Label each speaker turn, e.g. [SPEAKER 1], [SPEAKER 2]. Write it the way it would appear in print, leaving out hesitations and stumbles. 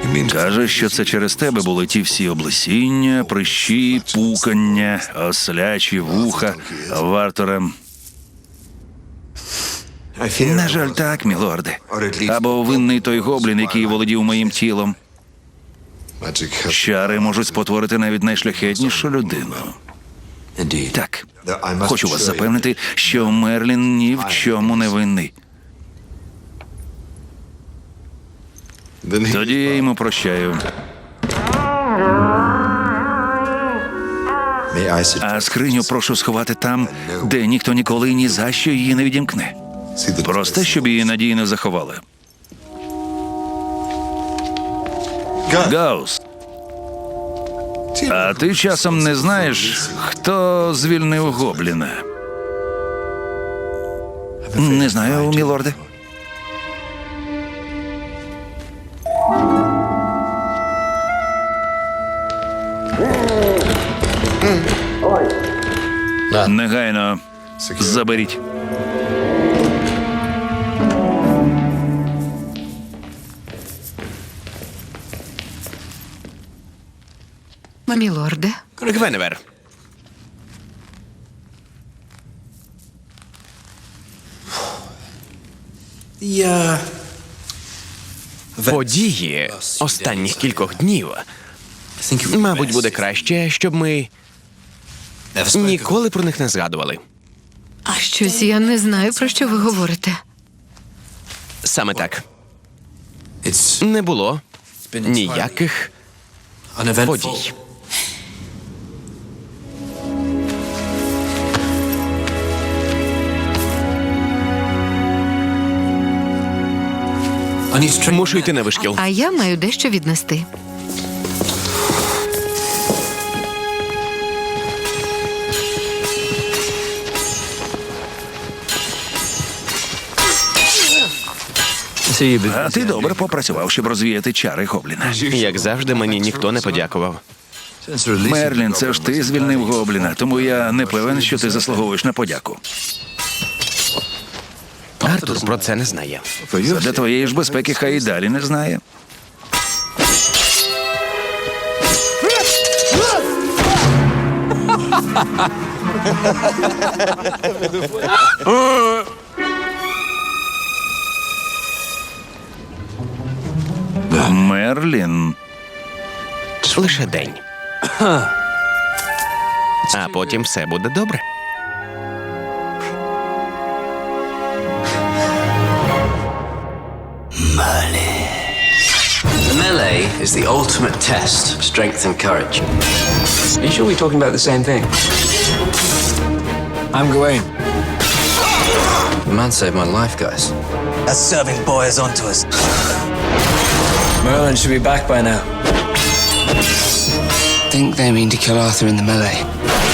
[SPEAKER 1] Каже, що це через тебе були ті всі облесіння, прищі, пукання, ослячі вуха, Варторем. На жаль, так, мілорде. Або винний той гоблін, який володів моїм тілом. Чари можуть спотворити навіть найшляхетнішу людину. Так, хочу вас запевнити, що Мерлін ні в чому не винний. Тоді я йому прощаю. А скриню прошу сховати там, де ніхто ніколи і ні за що її не відімкне. Просто, щоб її надійно заховали. Гаус, а ти часом не знаєш, хто звільнив гобліна? Не знаю, мілорде. Негайно заберіть.
[SPEAKER 2] Мілорде.
[SPEAKER 3] Гвеневер. Події останніх кількох днів, мабуть, буде краще, щоб ми ніколи про них не згадували.
[SPEAKER 2] Щось я не знаю, про що ви говорите.
[SPEAKER 3] Саме так. Не було ніяких подій. Мушу йти на вишкіл.
[SPEAKER 2] А я маю дещо віднести.
[SPEAKER 1] А ти добре попрацював, щоб розвіяти чари гобліна.
[SPEAKER 3] Як завжди, мені ніхто не подякував.
[SPEAKER 1] Мерлін, це ж ти звільнив гобліна, тому я не певен, що ти заслуговуєш на подяку.
[SPEAKER 3] Артур про це не знає.
[SPEAKER 1] Для твоєї ж безпеки хай і далі не знає. Мерлін.
[SPEAKER 3] Лише день. А потім все буде добре.
[SPEAKER 4] The melee is the ultimate test of strength and courage.
[SPEAKER 5] Are you sure we're talking about the same thing? I'm Gawain.
[SPEAKER 4] The man saved my life, guys.
[SPEAKER 6] That serving boy is onto us.
[SPEAKER 5] Merlin should be back by now.
[SPEAKER 4] I think they mean to kill Arthur in the melee.